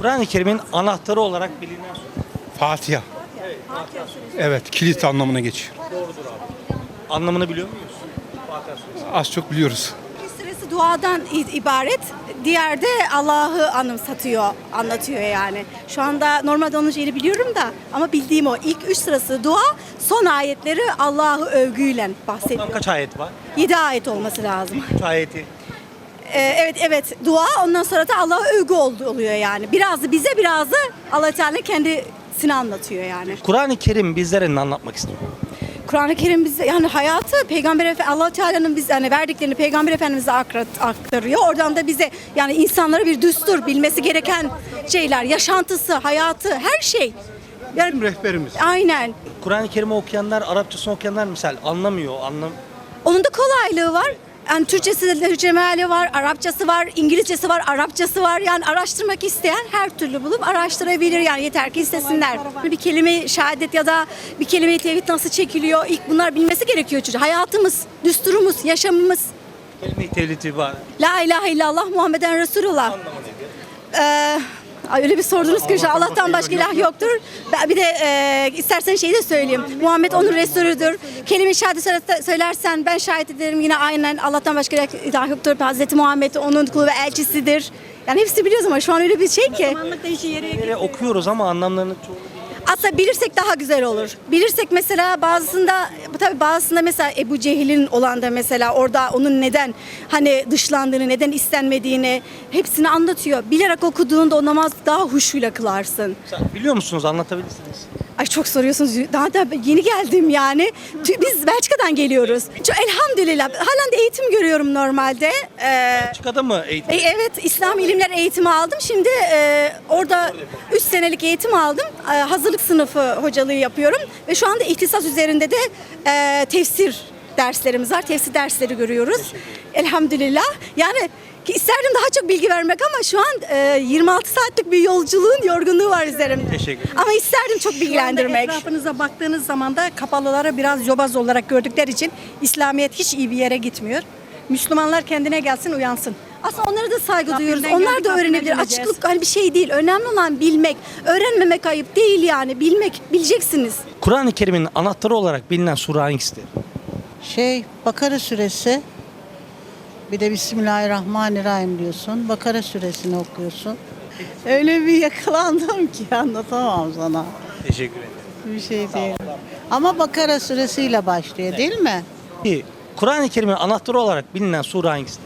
Kur'an-ı Kerim'in anahtarı olarak bilinen sure. Fatiha. Evet, kilit anlamına geçiyor. Anlamını biliyor muyuz? Fatiha suresi. Az çok biliyoruz. Bir sırası duadan ibaret. Diğer de Allah'ı anlatıyor yani. Şu anda normalde onun şeyini biliyorum da ama bildiğim o. İlk 3 sırası dua, son ayetleri Allah'ı övgüyle bahsediyor. Tam kaç ayet var? 7 ayet olması lazım. 3 ayeti. Evet dua, ondan sonra da Allah'a övgü oluyor yani. Biraz da bize, biraz da Allah Teala kendisini anlatıyor yani. Kur'an-ı Kerim bizlere ne anlatmak istiyor? Kur'an-ı Kerim bize yani hayatı Allah Teala'nın bize yani verdiklerini Peygamber Efendimiz'e aktarıyor. Oradan da bize yani insanlara bir düstur, bilmesi gereken şeyler, yaşantısı, hayatı, her şey. Yani Rehberimiz. aynen. Kur'an-ı Kerim'i okuyanlar, Arapçasını okuyanlar misal anlamıyor. Onun da kolaylığı var. Yani Türkçesi de Türkçe meali var, Arapçası var, İngilizcesi var, Arapçası var. Yani araştırmak isteyen her türlü bulup araştırabilir yani yeter ki istesinler. Bir kelime şehadet ya da bir kelime-i tevhid nasıl çekiliyor? İlk bunlar bilmesi gerekiyor çocuk. Hayatımız, düsturumuz, yaşamımız. Kelime-i tevhidi var. La ilahe illallah Muhammeden Resulullah. Öyle bir sordunuz ki Allah'tan başka ilah yoktur. Bir de istersen şeyi de söyleyeyim. Muhammed onun Resulüdür. Kelime-i şehadet söylersen ben şahit ederim yine aynen Allah'tan başka ilah yoktur. Hazreti Muhammed onun kulu ve elçisidir. Yani hepsi biliyoruz ama şu an öyle bir şey ki. Yere okuyoruz ama anlamlarını çoğu Aslında bilirsek daha güzel olur. Bilirsek mesela bazısında mesela Ebu Cehil'in olan da mesela orada onun neden hani dışlandığını, neden istenmediğini hepsini anlatıyor. Bilerek okuduğunda o namaz daha huşuyla kılarsın. biliyor musunuz? Anlatabilirsiniz. Ay çok soruyorsunuz. Daha da yeni geldim yani. Biz Belçika'dan geliyoruz. Elhamdülillah. Halen de eğitim görüyorum normalde. Belçika'da mı eğitim? Evet, İslam ilimler eğitimi aldım. Şimdi orada 3 senelik eğitim aldım. Hazırlık sınıfı hocalığı yapıyorum. Ve şu anda ihtisas üzerinde de tefsir derslerimiz var. Tefsir dersleri görüyoruz. Elhamdülillah. Yani isterdim daha çok bilgi vermek ama şu an 26 saatlik bir yolculuğun yorgunluğu var üzerimde. Teşekkür ederim. Ama isterdim çok bilgilendirmek. Etrafınıza baktığınız zaman da kapalıları biraz yobaz olarak gördükleri için İslamiyet hiç iyi bir yere gitmiyor. Müslümanlar kendine gelsin, uyansın. Aslında onlara da saygı duyuyoruz. Rabbimden Onlar geldik, da Rabbimden öğrenebilir. dinleyeceğiz. Açıklık hani bir şey değil. Önemli olan bilmek. Öğrenmemek ayıp değil yani. Bileceksiniz. Kur'an-ı Kerim'in anahtarı olarak bilinen sure hangisidir? Bakara suresi, bir de Bismillahirrahmanirrahim diyorsun. Bakara suresini okuyorsun. Öyle bir yakalandım ki anlatamam sana. Teşekkür ederim. Bir şey değil. Ama Bakara suresiyle başlıyor değil mi? Peki, Kur'an-ı Kerim'in anahtarı olarak bilinen sure hangisidir?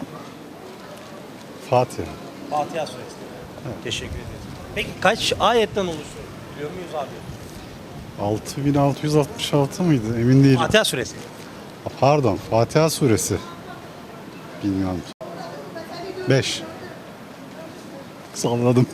Fatiha. Fatiha suresi. Teşekkür ederiz. Peki kaç ayetten oluşuyor? Biliyor muyuz abi? 6666 mıydı? Emin değilim. Fatiha suresi. Pardon, Fatiha suresi. Bilmiyorum. 5. Salladım.